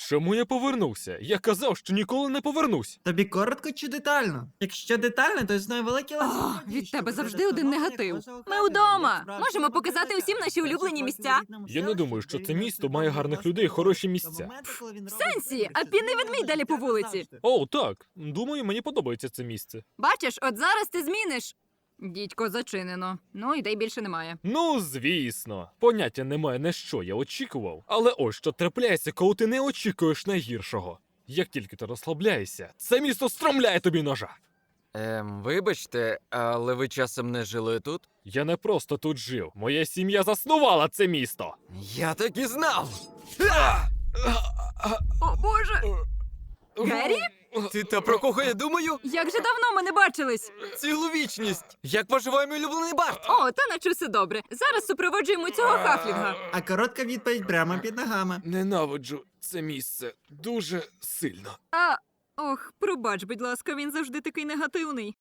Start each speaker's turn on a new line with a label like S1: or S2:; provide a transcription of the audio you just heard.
S1: Чому я повернувся? Я казав, що ніколи не повернусь.
S2: Тобі коротко чи детально? Якщо детально, то існує великий ланцюг
S3: О,
S2: подій,
S3: від
S2: що
S3: тебе
S2: веде
S3: завжди
S2: до
S3: один
S2: встановлення
S3: негатив.
S2: вашого
S3: Ми
S2: Хавліна,
S3: вдома.
S2: як справжнього
S3: Можемо показати
S2: бандита.
S3: усім наші улюблені місця.
S1: Я не думаю, що це місто має гарних людей і хороші місця.
S3: Сенсі, а пінний ведмідь далі по вулиці.
S1: О, так. Думаю, мені подобається це місце.
S3: Бачиш, от зараз ти зміниш. Дідько, зачинено. Ну, ідей більше немає.
S1: Ну, звісно. Поняття немає, на що я очікував. Але ось що трапляється, коли ти не очікуєш найгіршого. Як тільки ти розслабляєшся, це місто стромляє тобі ножа.
S4: Вибачте, але ви часом не жили тут?
S1: Я не просто тут жив. Моя сім'я заснувала це місто.
S4: Я так і знав!
S3: О, Боже! Геррі?
S4: Ти та про кого я думаю?
S3: Як же давно ми не бачились?
S4: Цілу вічність! Як поживає мій улюблений Барт?
S3: О, та наче все добре. Зараз супроводжуємо цього хафлінга.
S2: А коротка відповідь прямо під ногами.
S1: Ненавиджу це місце дуже сильно.
S3: Ох, пробач, будь ласка, він завжди такий негативний.